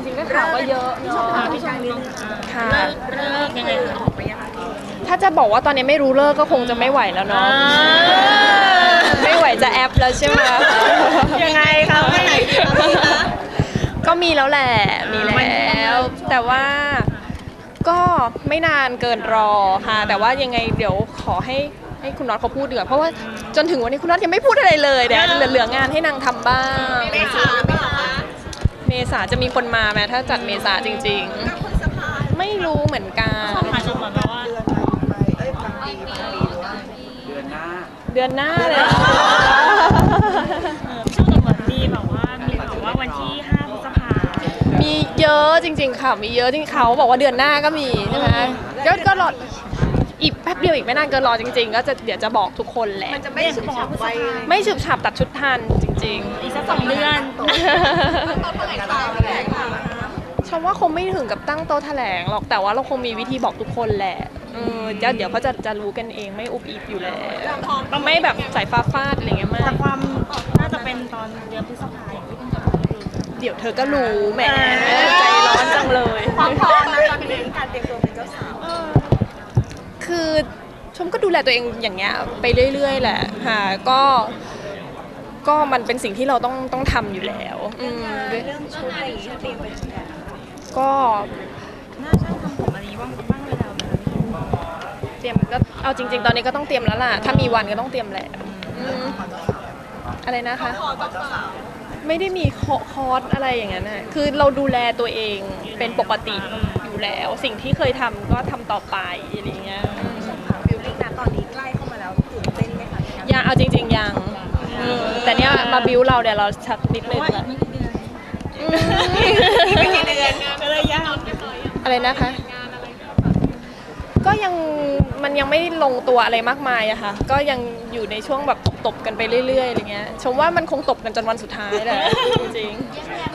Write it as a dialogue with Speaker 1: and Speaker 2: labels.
Speaker 1: ริงๆก็ข่าวก็เยอะเนาะ
Speaker 2: พี่ช่างนิดนึง
Speaker 1: ค่ะ
Speaker 2: เลิกยังไงคะออกไปยังไง
Speaker 1: ถ้าจะบอกว่าตอนนี้ไม่รู้เลิกก็คงจะไม่ไหวแล้วเนาะไม่ไหวจะแอปแล้วใช่ไหม
Speaker 2: ยังไงคะไม่ไหนดีคะพี่คะ
Speaker 1: ก็มีแล้วแหละมีแล้ว แต่ว่าก็ไม่นานเกินรอค่ะ แต่ว่ายังไงเดี๋ยวขอให้คุณน็อตเขาพูดดีกว่าเพราะว่าจนถึงวันนี้คุณน็อตยังไม่พูดอะไรเลยเดี๋ยวเหลืองานให้นางทำบ้าง
Speaker 2: เมษาไม่หรอคะ
Speaker 1: เมษาจะมีคนมาไหมถ้าจัดเมษาจริงๆ ไม่รู้เหมือนกัน
Speaker 2: อาจจะเหมือนแบบว่า
Speaker 1: เดือนหน้าเลย
Speaker 2: ช่วงเหมือนมีแบบว่าวันที่5 พฤษภา
Speaker 1: มีเยอะจริงๆค่ะมีเยอะจริงๆเขาบอกว่าเดือนหน้าก็มีใช่ไหมก็รออีกแป๊บเดียวอีกไม่นานเกินรอจริงๆก็จะเดี๋ยวจะบอกทุกคนแหละ
Speaker 2: มันจะไม่ฉบับไว้
Speaker 1: ไม่ฉืบฉับตัดชุดทันจริง
Speaker 2: อีกสัก2 เดือน
Speaker 1: ๆชมว่าคงไม่ถึงกับตั้งโต๊ะแถลงหรอกแต่ว่าเราคงมีวิธีบอกทุกคนแหละเดี๋ยวเขาจะรู้กันเองไม่อุบอิบอยู่แล้วไม่แบบสายฟ้าฟาดอะไรเงี้ยมา
Speaker 2: แต่
Speaker 1: ก
Speaker 2: ความน่าจะเป็นตอนเดือนพฤษภาอย่างที่เพิ่งจะพูด
Speaker 1: เดี๋ยวเธอก็รู้แหมใจร้อนจังเลย
Speaker 2: ความพร้อมนะตอนนี้การเตรียมตัวเป็นเจ้าสาว
Speaker 1: คือชมก็ดูแลตัวเองอย่างเงี้ยไปเรื่อยๆแหละค่ะก็มันเป็นสิ่งที่เราต้องทำอยู่แล้ว
Speaker 2: เรื่องชุดอะไรอย่างเงี้ยเตรียมไปถึงไหน
Speaker 1: ก็
Speaker 2: หน้าช่างทำผมอะไรนี้บ้างเลยแล้วนะ
Speaker 1: เตรียมก็เอาจริง ๆ ตอนนี้ก็ต้องเตรียมแล้วล่ะถ้ามีวันก็ต้องเตรียมแหละอะไรนะคะไม่ได้มีคอร์สอะไรอย่างนั้นนะคือเราดูแลตัวเองเป็นปกติอยู่แล้ว สิ่งที่เคยทำก็ทำต่อไปอะไรอย่างเงี้ย
Speaker 2: บิวลิ่งนะตอนนี้ใกล้เข้ามาแล้วตื่นเต้นไหมคะ
Speaker 1: ยังเอาจริง ๆยังแต่เนี้ยมาบิวเราเดี๋ยวเราชัดนิดนึง
Speaker 2: ว่าอี
Speaker 1: ละ
Speaker 2: กไม่กี่เดือนไม่กี่เดือนก็เลยยาก
Speaker 1: อะไรนะคะ ก็ยังมันยังไม่ลงตัวอะไรมากมายอะค่ะ ก็ยังอยู่ในช่วงแบบตบๆกันไปเรื่อยๆอะไรเงี้ย ชมว่ามันคงตบกันจนวันสุดท้ายแหละจริงๆ